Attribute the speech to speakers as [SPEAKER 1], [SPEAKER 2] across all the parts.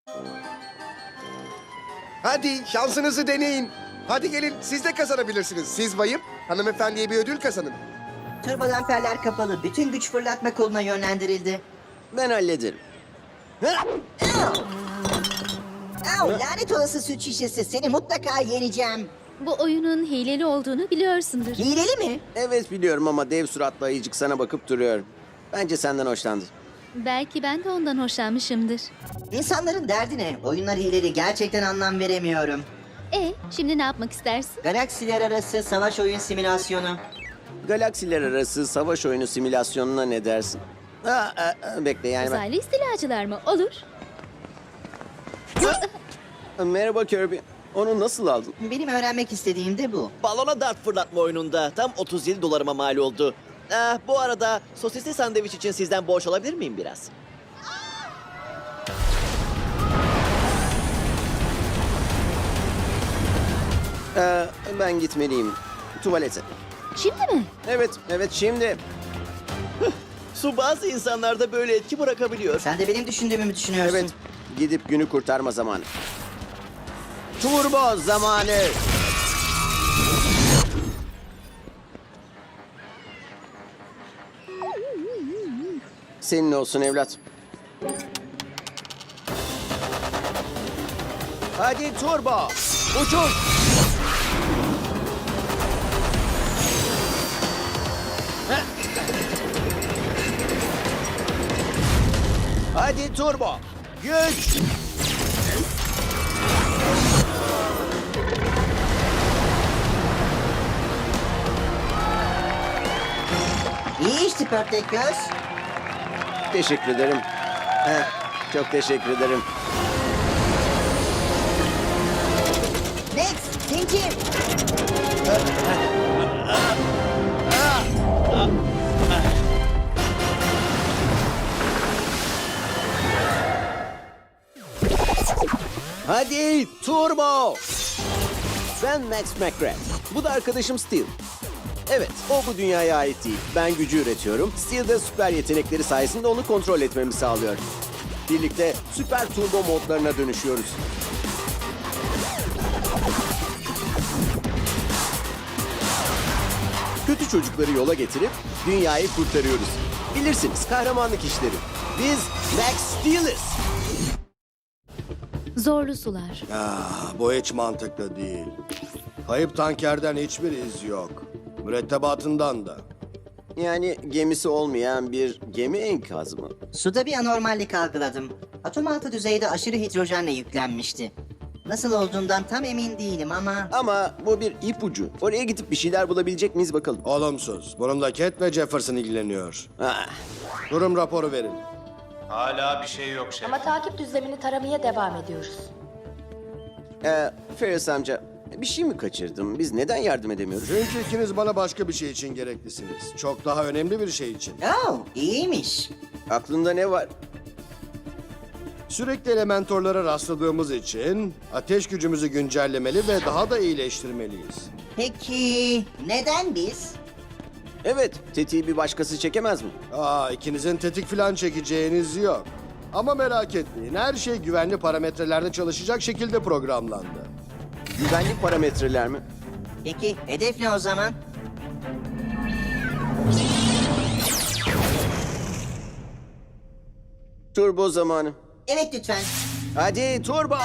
[SPEAKER 1] Hadi şansınızı deneyin. Hadi gelin siz de kazanabilirsiniz. Siz bayım hanımefendiye bir ödül kazanın.
[SPEAKER 2] Turbolamperler kapalı. Bütün güç fırlatma koluna yönlendirildi.
[SPEAKER 3] Ben hallederim.
[SPEAKER 2] Au, lanet olası süt şişesi. Seni mutlaka yeneceğim.
[SPEAKER 4] Bu oyunun hileli olduğunu biliyorsundur.
[SPEAKER 2] Hileli mi?
[SPEAKER 3] Evet biliyorum ama dev suratlı ayıcık sana bakıp duruyor. Bence senden hoşlandı.
[SPEAKER 4] Belki ben de ondan hoşlanmışımdır.
[SPEAKER 2] İnsanların derdi ne? Oyunlar hileli. Gerçekten anlam veremiyorum.
[SPEAKER 4] Şimdi ne yapmak istersin?
[SPEAKER 2] Galaksiler arası savaş oyun simülasyonu.
[SPEAKER 3] Galaksiler arası savaş oyunu simülasyonuna ne dersin? Bekle yani ben...
[SPEAKER 4] Uzaylı istilacılar mı? Olur.
[SPEAKER 3] Merhaba Kirby. Onu nasıl aldın?
[SPEAKER 2] Benim öğrenmek istediğim de bu.
[SPEAKER 5] Balona dart fırlatma oyununda tam 37 dolarıma mal oldu. Bu arada sosisli sandviç için sizden borç alabilir miyim biraz?
[SPEAKER 3] Ben gitmeliyim. Tuvalete.
[SPEAKER 4] Şimdi mi?
[SPEAKER 3] Evet şimdi.
[SPEAKER 5] Su bazı insanlarda böyle etki bırakabiliyor.
[SPEAKER 2] Sen de benim düşündüğümü mü düşünüyorsun?
[SPEAKER 3] Evet. Gidip günü kurtarma zamanı. Turbo zamanı. Senin olsun evlat. Hadi turbo. Uçun. Hadi turbo. Güç.
[SPEAKER 2] İyi işte pörtlek göz.
[SPEAKER 3] Teşekkür ederim. Çok teşekkür ederim.
[SPEAKER 2] Next, zincir.
[SPEAKER 3] Hadi turbo. Ben Max McGrath. Bu da arkadaşım Steel. Evet, o bu dünyaya ait değil. Ben gücü üretiyorum. Steel de süper yetenekleri sayesinde onu kontrol etmemi sağlıyor. Birlikte süper turbo modlarına dönüşüyoruz. Kötü çocukları yola getirip dünyayı kurtarıyoruz. Bilirsiniz, kahramanlık işleri. Biz Max Steel'iz.
[SPEAKER 4] Zorlu sular.
[SPEAKER 6] Bu hiç mantıklı değil. Kayıp tankerden hiçbir iz yok. Mürettebatından da.
[SPEAKER 3] Yani gemisi olmayan bir gemi enkazı mı?
[SPEAKER 2] Suda bir anormallik algıladım. Atom altı düzeyde aşırı hidrojenle yüklenmişti. Nasıl olduğundan tam emin değilim ama...
[SPEAKER 3] Ama bu bir ipucu. Oraya gidip bir şeyler bulabilecek miyiz bakalım.
[SPEAKER 6] Olumsuz. Bununla Cat ve Jefferson ilgileniyor.
[SPEAKER 3] Ah,
[SPEAKER 6] Durum raporu verin.
[SPEAKER 7] Hala bir şey yok şef.
[SPEAKER 8] Ama takip düzlemini taramaya devam ediyoruz.
[SPEAKER 3] Ferris amca, bir şey mi kaçırdım? Biz neden yardım edemiyoruz?
[SPEAKER 6] Çünkü ikiniz bana başka bir şey için gereklisiniz. Çok daha önemli bir şey için.
[SPEAKER 2] Oh, iyiymiş.
[SPEAKER 3] Aklında ne var?
[SPEAKER 6] Sürekli elementorlara rastladığımız için ateş gücümüzü güncellemeli ve daha da iyileştirmeliyiz.
[SPEAKER 2] Peki neden biz?
[SPEAKER 3] Evet, tetiği bir başkası çekemez mi?
[SPEAKER 6] İkinizin tetik falan çekeceğiniz yok. Ama merak etmeyin, her şey güvenli parametrelerde çalışacak şekilde programlandı.
[SPEAKER 3] Güvenlik parametreler mi?
[SPEAKER 2] Peki hedef ne o zaman?
[SPEAKER 3] Turbo zamanı.
[SPEAKER 2] Evet lütfen.
[SPEAKER 3] Hadi turbo!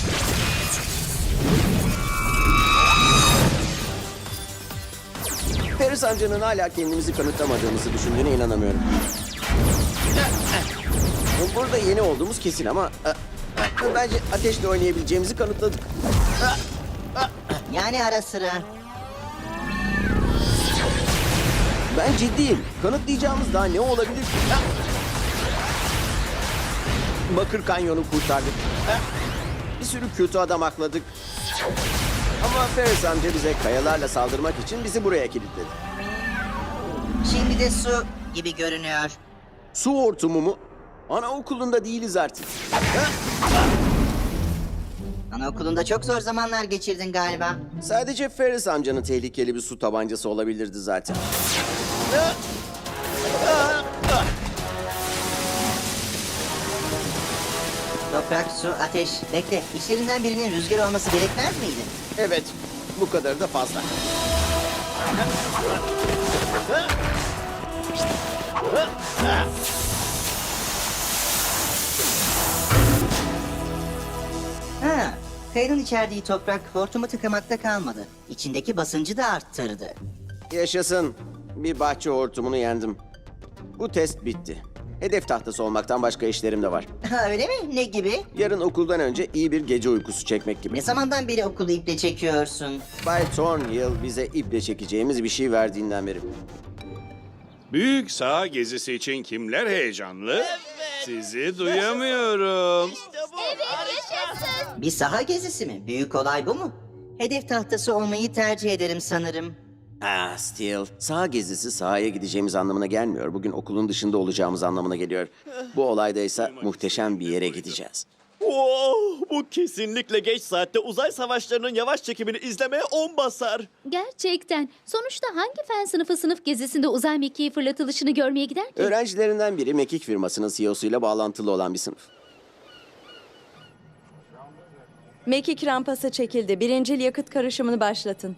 [SPEAKER 3] Ferris amcanın hala kendimizi kanıtlamadığımızı düşündüğüne inanamıyorum. Burada yeni olduğumuz kesin ama... Bence ateşle oynayabileceğimizi kanıtladık.
[SPEAKER 2] Yani ara sıra.
[SPEAKER 3] Ben ciddiyim. Kanıtlayacağımız daha ne olabilir ki? Bakır Kanyon'u kurtardık. Bir sürü kötü adam akladık. Ama Ferris amca bize kayalarla saldırmak için bizi buraya kilitledi.
[SPEAKER 2] Şimdi de su gibi görünüyor.
[SPEAKER 3] Su hortumu mu? Anaokulunda değiliz artık.
[SPEAKER 2] Anaokulunda çok zor zamanlar geçirdin galiba.
[SPEAKER 3] Sadece Ferris amcanın tehlikeli bir su tabancası olabilirdi zaten.
[SPEAKER 2] Toprak, su, ateş. Bekle, içlerinden birinin rüzgar olması gerekmez miydi?
[SPEAKER 3] Evet, bu kadar da fazla.
[SPEAKER 2] Ha, kayanın içerdiği toprak hortumu tıkamakta kalmadı. İçindeki basıncı da arttırdı.
[SPEAKER 3] Yaşasın. Bir bahçe hortumunu yendim. Bu test bitti. Hedef tahtası olmaktan başka işlerim de var.
[SPEAKER 2] Ha, öyle mi? Ne gibi?
[SPEAKER 3] Yarın okuldan önce iyi bir gece uykusu çekmek gibi.
[SPEAKER 2] Ne zamandan beri okulu iple çekiyorsun?
[SPEAKER 3] Bay Thornhill bize iple çekeceğimiz bir şey verdiğinden beri.
[SPEAKER 9] Büyük saha gezisi için kimler heyecanlı? Sizi duyamıyorum.
[SPEAKER 2] Bir saha gezisi mi? Büyük olay bu mu? Hedef tahtası olmayı tercih ederim sanırım.
[SPEAKER 3] Ah Steel, saha gezisi sahaya gideceğimiz anlamına gelmiyor. Bugün okulun dışında olacağımız anlamına geliyor. Bu olayda ise muhteşem bir yere gideceğiz.
[SPEAKER 5] Bu kesinlikle geç saatte uzay savaşlarının yavaş çekimini izlemeye 10 basar.
[SPEAKER 4] Gerçekten. Sonuçta hangi fen sınıfı sınıf gezisinde uzay mekiği fırlatılışını görmeye gider ki?
[SPEAKER 3] Öğrencilerinden biri mekik firmasının CEO'suyla bağlantılı olan bir sınıf.
[SPEAKER 10] Mekik rampası çekildi. Birincil yakıt karışımını başlatın.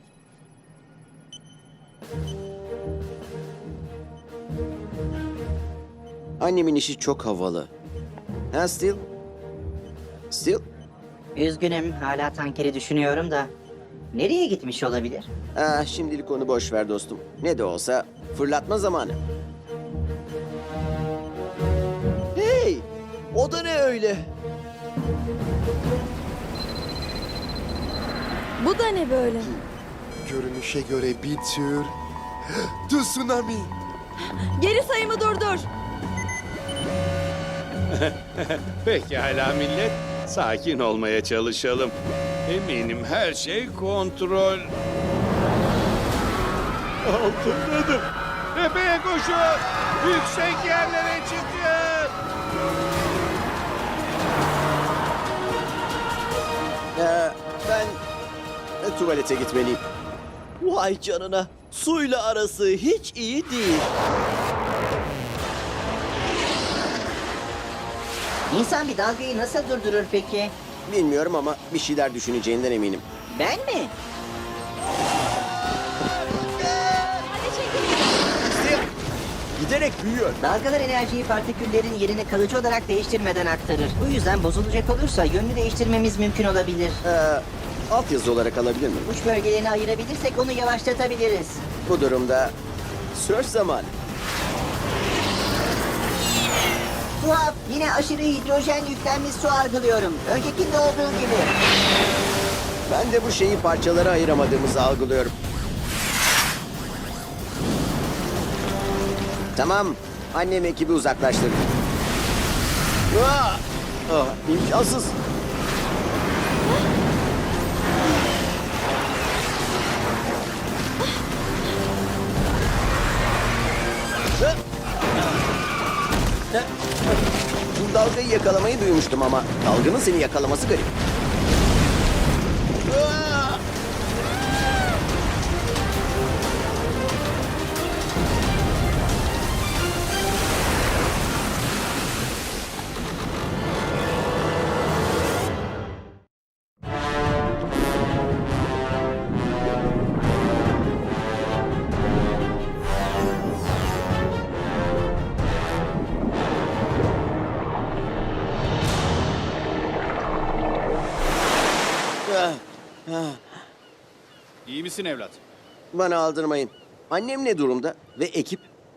[SPEAKER 3] Annemin işi çok havalı. Ha Steel? Steel?
[SPEAKER 2] Üzgünüm, hala tankeri düşünüyorum da. Nereye gitmiş olabilir?
[SPEAKER 3] Ah, şimdilik onu boş ver dostum. Ne de olsa fırlatma zamanı.
[SPEAKER 5] Hey! O da ne öyle?
[SPEAKER 10] Bu da ne böyle?
[SPEAKER 1] Görünüşe göre bir tür tsunami.
[SPEAKER 10] Geri sayımı durdur.
[SPEAKER 9] Pekala millet, sakin olmaya çalışalım. Eminim her şey kontrol altındadır. Tepeye koşun! Yüksek yerlere çıkın!
[SPEAKER 3] Ben tuvalete gitmeliyim.
[SPEAKER 5] Vay canına. Suyla arası hiç iyi değil.
[SPEAKER 2] İnsan bir dalgayı nasıl durdurur peki?
[SPEAKER 3] Bilmiyorum ama bir şeyler düşüneceğinden eminim.
[SPEAKER 2] Ben mi?
[SPEAKER 3] Giderek büyüyor.
[SPEAKER 2] Dalgalar enerjiyi partiküllerin yerini kalıcı olarak değiştirmeden aktarır. Bu yüzden bozulacak olursa yönünü değiştirmemiz mümkün olabilir.
[SPEAKER 3] Altyazı olarak alabilir miyim?
[SPEAKER 2] Uç bölgelerini ayırabilirsek onu yavaşlatabiliriz.
[SPEAKER 3] Bu durumda sörf zamanı.
[SPEAKER 2] Tuhaf, yine aşırı hidrojen yüklenmiş su algılıyorum. Öncekinde olduğu gibi.
[SPEAKER 3] Ben de bu şeyi parçalara ayıramadığımızı algılıyorum. Tamam, annem ekibi uzaklaştırdı. İmkansız. Bu dalgayı yakalamayı duymuştum ama dalganın seni yakalaması garip.
[SPEAKER 9] İyi misin evlat?
[SPEAKER 3] Bana aldırmayın. Annem ne durumda ve ekip?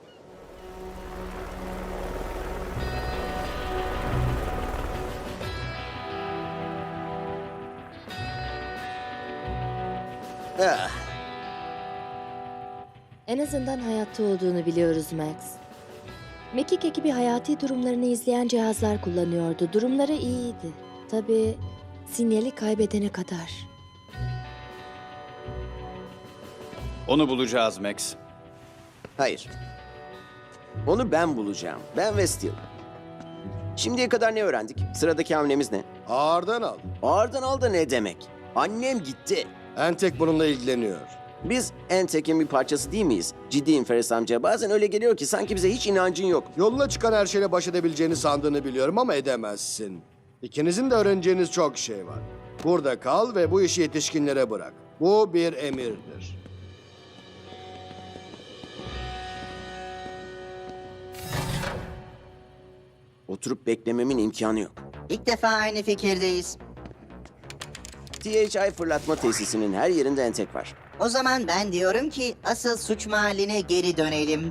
[SPEAKER 3] Ah,
[SPEAKER 11] En azından hayatta olduğunu biliyoruz Max. Mekik ekibi hayati durumlarını izleyen cihazlar kullanıyordu. Durumları iyiydi. Tabii sinyali kaybedene kadar.
[SPEAKER 7] Onu bulacağız Max.
[SPEAKER 3] hayır. Onu ben bulacağım. Ben ve Steel. Şimdiye kadar ne öğrendik? Sıradaki hamlemiz ne?
[SPEAKER 6] Ağırdan al.
[SPEAKER 3] Ağırdan al da ne demek? Annem gitti.
[SPEAKER 6] Entek bununla ilgileniyor.
[SPEAKER 3] Biz Entek'in bir parçası değil miyiz? Ciddiyim Feris amca. Bazen öyle geliyor ki sanki bize hiç inancın yok.
[SPEAKER 6] Yoluna çıkan her şeyle baş edebileceğini sandığını biliyorum ama edemezsin. İkinizin de öğreneceğiniz çok şey var. Burada kal ve bu işi yetişkinlere bırak. Bu bir emirdir.
[SPEAKER 3] Oturup beklememin imkanı yok.
[SPEAKER 2] İlk defa aynı fikirdeyiz.
[SPEAKER 3] THI fırlatma tesisinin her yerinde entek var.
[SPEAKER 2] O zaman ben diyorum ki asıl suç mahalline geri dönelim.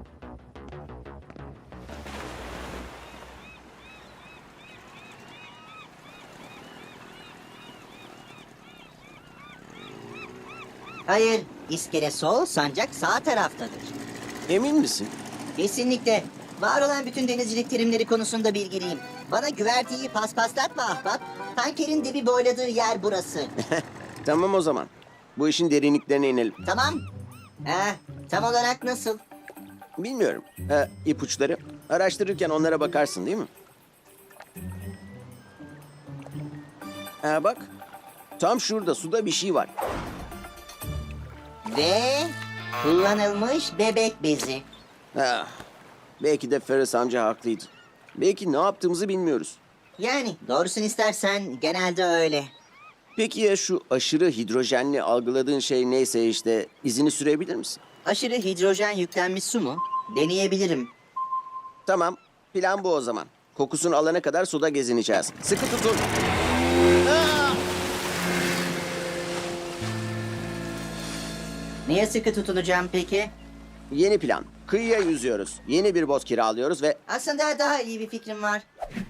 [SPEAKER 2] Hayır, iskele sol, sancak sağ taraftadır.
[SPEAKER 3] Emin misin?
[SPEAKER 2] Kesinlikle. Var olan bütün denizcilik terimleri konusunda bilgiliyim. Bana güverteyi paspaslatma ahbap. Tankerin dibi boyladığı yer burası.
[SPEAKER 3] Tamam o zaman. Bu işin derinliklerine inelim.
[SPEAKER 2] Tamam. Tam olarak nasıl?
[SPEAKER 3] Bilmiyorum. İpuçları. Araştırırken onlara bakarsın değil mi? Bak. Tam şurada suda bir şey var.
[SPEAKER 2] Ve kullanılmış bebek bezi.
[SPEAKER 3] Ah, belki de Ferris amca haklıydı. Belki ne yaptığımızı bilmiyoruz.
[SPEAKER 2] Yani doğrusunu istersen genelde öyle.
[SPEAKER 3] Peki ya şu aşırı hidrojenli algıladığın şey neyse işte izini sürebilir misin?
[SPEAKER 2] Aşırı hidrojen yüklenmiş su mu? Deneyebilirim.
[SPEAKER 3] Tamam. Plan bu o zaman. Kokusunu alana kadar suda gezineceğiz. Sıkı tutun.
[SPEAKER 2] Niye sıkı tutunacağım peki?
[SPEAKER 3] Yeni plan. Kıyıya yüzüyoruz. Yeni bir bot kiralıyoruz ve...
[SPEAKER 2] Aslında daha iyi bir fikrim var.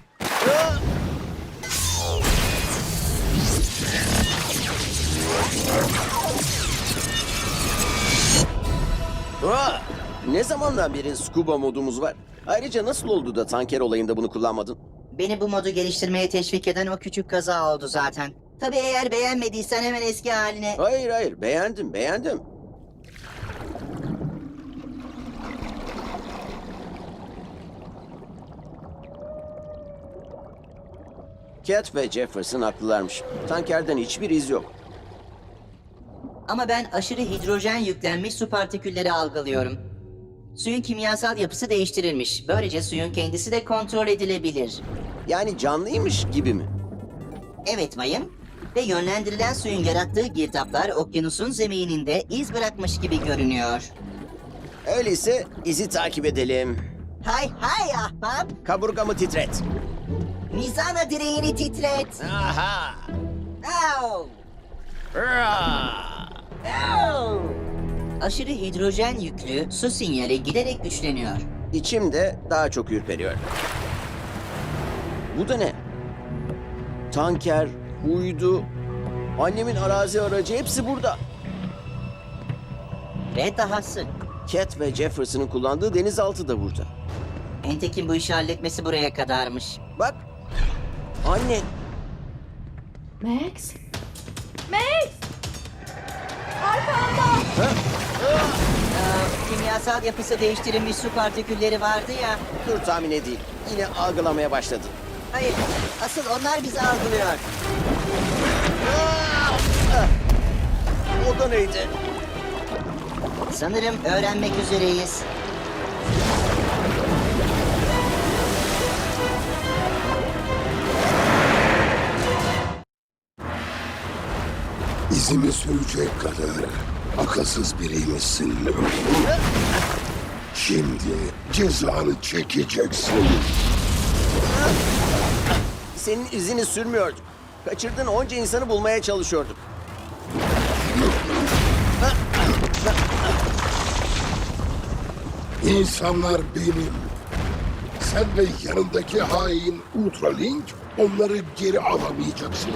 [SPEAKER 3] Aa! Ne zamandan beri scuba modumuz var? Ayrıca nasıl oldu da tanker olayında bunu kullanmadın?
[SPEAKER 2] Beni bu modu geliştirmeye teşvik eden o küçük kaza oldu zaten. Tabii eğer beğenmediysen hemen eski haline...
[SPEAKER 3] Hayır, beğendim. Cat ve Jefferson haklılarmış. Tankerden hiçbir iz yok.
[SPEAKER 2] Ama ben aşırı hidrojen yüklenmiş su partikülleri algılıyorum. Suyun kimyasal yapısı değiştirilmiş. Böylece suyun kendisi de kontrol edilebilir.
[SPEAKER 3] Yani canlıymış gibi mi?
[SPEAKER 2] Evet bayım. Ve yönlendirilen suyun yarattığı girdaplar okyanusun zemininde iz bırakmış gibi görünüyor.
[SPEAKER 3] Öyleyse izi takip edelim.
[SPEAKER 2] Hay hay ahbap.
[SPEAKER 3] Kaburgamı titret.
[SPEAKER 2] Mizana direğini titret.
[SPEAKER 3] Aha!
[SPEAKER 2] Au! Au! Aşırı hidrojen yüklü su sinyali giderek güçleniyor.
[SPEAKER 3] İçim de daha çok ürperiyor. Bu da ne? Tanker, uydu, annemin arazi aracı hepsi burada.
[SPEAKER 2] Ve dahası.
[SPEAKER 3] Cat ve Jefferson'ın kullandığı denizaltı da burada.
[SPEAKER 2] Entek'in bu işi halletmesi buraya kadarmış.
[SPEAKER 3] Bak, anne.
[SPEAKER 11] Max?
[SPEAKER 2] Kimyasal yapısı değiştirilmiş su partikülleri vardı ya.
[SPEAKER 3] Dur tahmin edeyim. Yine algılamaya başladı.
[SPEAKER 2] Hayır, asıl onlar bizi algılıyor.
[SPEAKER 3] O da neydi?
[SPEAKER 2] Sanırım öğrenmek üzereyiz.
[SPEAKER 12] İzimi sürecek kadar akılsız biriymişsin. Şimdi cezanı çekeceksin.
[SPEAKER 3] Senin izini sürmüyorduk. Kaçırdığın onca insanı bulmaya çalışıyorduk.
[SPEAKER 12] İnsanlar benim. Sen ve yanındaki hain Ultralink onları geri alamayacaksınız.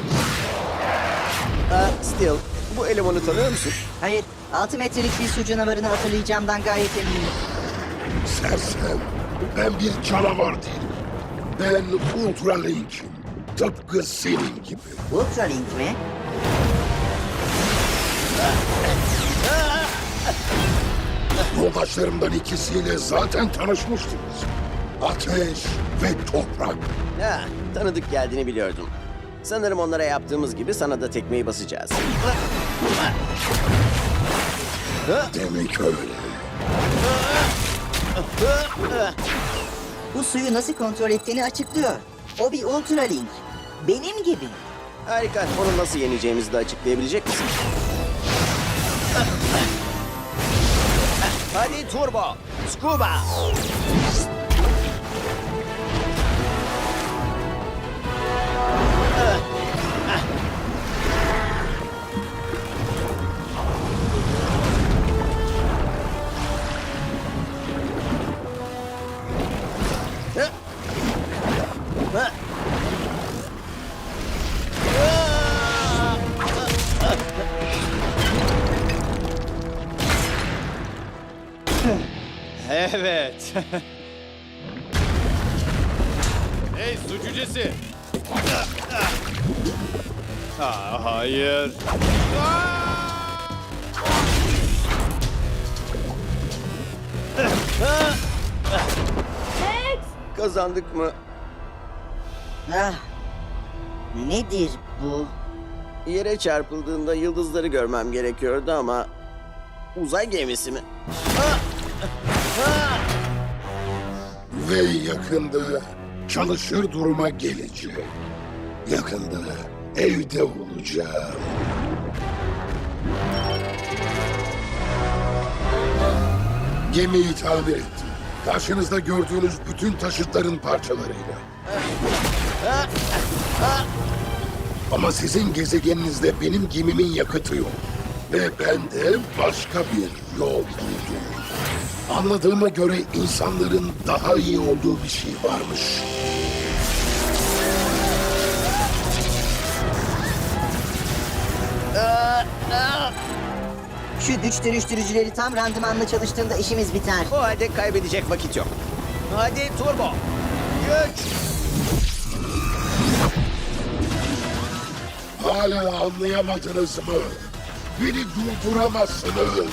[SPEAKER 3] Steel, bu elemanı tanıyor musun?
[SPEAKER 2] Hayır, 6 metrelik bir su canavarını hatırlayacağımdan gayet eminim.
[SPEAKER 12] Sersem, ben bir canavar değilim. Ben Ultralink'im. Tıpkı senin gibi.
[SPEAKER 2] Ultralink mi?
[SPEAKER 12] Yoldaşlarımdan ikisiyle zaten tanışmıştınız. Ateş ve toprak.
[SPEAKER 3] Ha, tanıdık geldiğini biliyordum. Sanırım onlara yaptığımız gibi sana da tekmeyi basacağız.
[SPEAKER 12] Demek öyle.
[SPEAKER 2] Bu suyu nasıl kontrol ettiğini açıklıyor. O bir Ultralink. Benim gibi.
[SPEAKER 3] Harika. Onu nasıl yeneceğimizi de açıklayabilecek misin? Hadi turbo. Scuba.
[SPEAKER 7] Evet.
[SPEAKER 9] Hey su cücesi. Hayır.
[SPEAKER 3] Kazandık mı?
[SPEAKER 2] Ah, nedir bu?
[SPEAKER 3] Yere çarpıldığında yıldızları görmem gerekiyordu ama... Uzay gemisi mi?
[SPEAKER 12] Ve yakında çalışır duruma geleceğim. Yakında evde olacağım. Gemiyi tamir ettim. Karşınızda gördüğünüz bütün taşıtların parçalarıyla. Ama sizin gezegeninizde benim gemimin yakıtı yok. Ve ben de başka bir yol buldum. Anladığıma göre insanların daha iyi olduğu bir şey varmış.
[SPEAKER 2] Şu güç dönüştürücüleri tam randımanla çalıştığında işimiz biter.
[SPEAKER 3] O halde kaybedecek vakit yok. Hadi turbo. Güç.
[SPEAKER 12] Hala anlayamadınız mı? Beni durduramazsınız.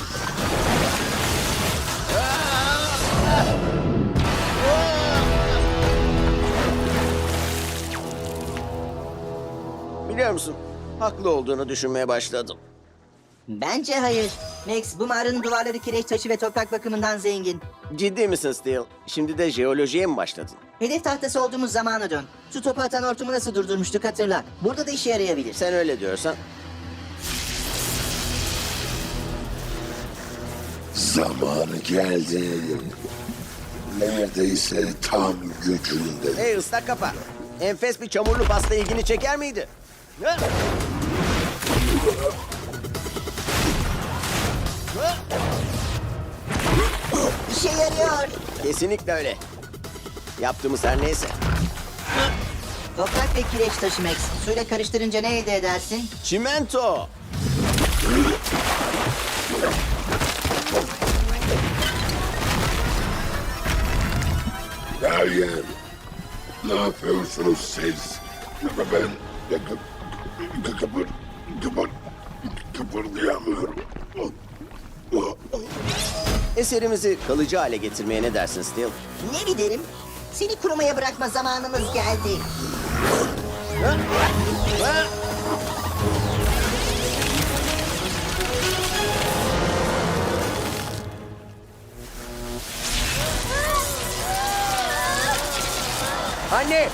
[SPEAKER 3] Biliyor musun? Haklı olduğunu düşünmeye başladım.
[SPEAKER 2] Bence hayır. Max, bu mağaranın duvarları kireç taşı ve toprak bakımından zengin.
[SPEAKER 3] Ciddi misin Steel? Şimdi de jeolojiye mi başladın?
[SPEAKER 2] Hedef tahtası olduğumuz zamana dön. Su topu atan hortumu nasıl durdurmuştuk hatırla. Burada da işe yarayabilir.
[SPEAKER 3] Sen öyle diyorsan.
[SPEAKER 12] Zamanı geldi. Neredeyse tam gücünde.
[SPEAKER 3] Hey ıslak kafa. Enfes bir çamurlu pasta ilgini çeker miydi? Ha?
[SPEAKER 2] İşe yarıyor.
[SPEAKER 3] Kesinlikle öyle. Yaptığımız her neyse.
[SPEAKER 2] Toprak ve kireç taşı Max. Suyla karıştırınca ne elde edersin?
[SPEAKER 3] Çimento.
[SPEAKER 12] Meryem, ne yapıyorsunuz siz? Ben kıpırdayamıyorum.
[SPEAKER 3] Eserimizi kalıcı hale getirmeye ne dersin Steel?
[SPEAKER 2] Ne derim? Seni kurumaya bırakma zamanımız geldi.
[SPEAKER 3] Anne!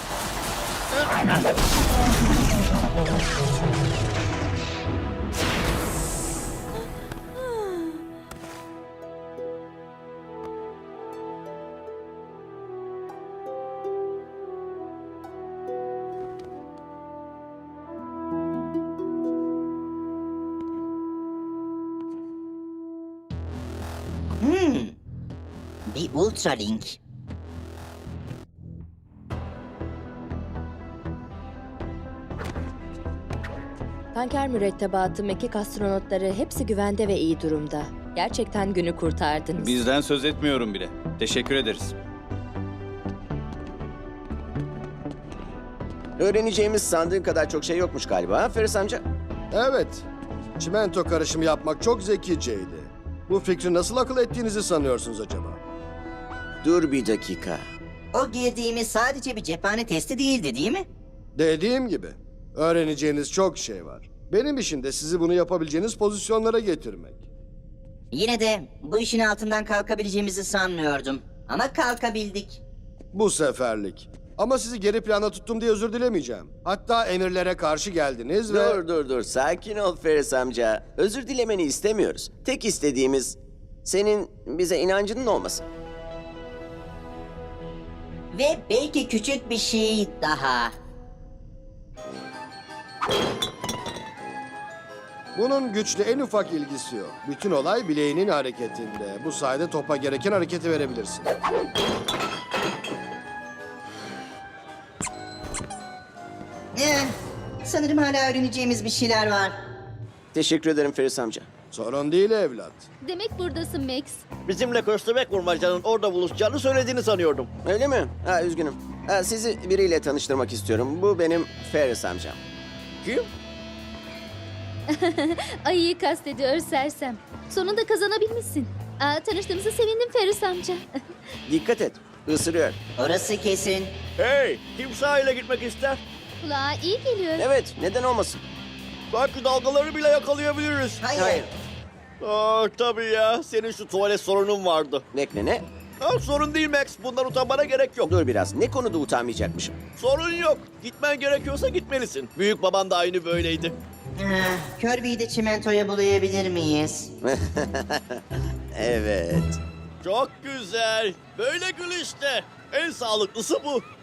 [SPEAKER 2] Bir Ultralink.
[SPEAKER 11] Tanker mürettebatı, mekik astronotları hepsi güvende ve iyi durumda. Gerçekten günü kurtardınız.
[SPEAKER 7] Bizden söz etmiyorum bile. Teşekkür ederiz.
[SPEAKER 3] Öğreneceğimiz sandığın kadar çok şey yokmuş galiba, ha Feris amca?
[SPEAKER 6] Evet. Çimento karışımı yapmak çok zekiceydi. Bu fikri nasıl akıl ettiğinizi sanıyorsunuz acaba?
[SPEAKER 3] Dur bir dakika.
[SPEAKER 2] O girdiğimiz sadece bir cephane testi değildi değil mi?
[SPEAKER 6] Dediğim gibi, öğreneceğiniz çok şey var. Benim işim de sizi bunu yapabileceğiniz pozisyonlara getirmek.
[SPEAKER 2] Yine de bu işin altından kalkabileceğimizi sanmıyordum. Ama kalkabildik.
[SPEAKER 6] Bu seferlik. Ama sizi geri planda tuttum diye özür dilemeyeceğim. Hatta emirlere karşı geldiniz ve...
[SPEAKER 3] Dur. Sakin ol Ferris amca. Özür dilemeni istemiyoruz. Tek istediğimiz senin bize inancının olması.
[SPEAKER 2] Ve belki küçük bir şey daha.
[SPEAKER 6] Bunun güçle en ufak ilgisi yok. Bütün olay bileğinin hareketinde. Bu sayede topa gereken hareketi verebilirsin.
[SPEAKER 2] Sanırım hala öğreneceğimiz bir şeyler var.
[SPEAKER 3] Teşekkür ederim Ferris amca.
[SPEAKER 6] Sorun değil evlat.
[SPEAKER 4] Demek buradasın Max.
[SPEAKER 5] Bizimle köstebek vurmacanın orada buluşacağını söylediğini sanıyordum.
[SPEAKER 3] Öyle mi? Üzgünüm. Sizi biriyle tanıştırmak istiyorum. Bu benim Ferris amcam.
[SPEAKER 5] Kim?
[SPEAKER 4] Ayıyı kastediyor sersem. Sonunda kazanabilmişsin. Tanıştığımıza sevindim Ferris amca.
[SPEAKER 3] Dikkat et. Isırıyor.
[SPEAKER 2] Orası kesin.
[SPEAKER 5] Hey, kim sahile gitmek ister?
[SPEAKER 4] Kulağa iyi geliyor.
[SPEAKER 3] Evet, neden olmasın?
[SPEAKER 5] Belki dalgaları bile yakalayabiliriz.
[SPEAKER 2] Hayır.
[SPEAKER 5] Tabii ya. Senin şu tuvalet sorunun vardı.
[SPEAKER 3] Bekle ne?
[SPEAKER 5] Sorun değil Max. Bundan utanmana gerek yok.
[SPEAKER 3] Dur biraz. Ne konuda utanmayacakmışım?
[SPEAKER 5] Sorun yok. Gitmen gerekiyorsa gitmelisin. Büyük baban da aynı böyleydi.
[SPEAKER 2] Kirby'yi de çimentoya bulayabilir miyiz?
[SPEAKER 3] Evet.
[SPEAKER 5] Çok güzel. Böyle gül işte. En sağlıklısı bu.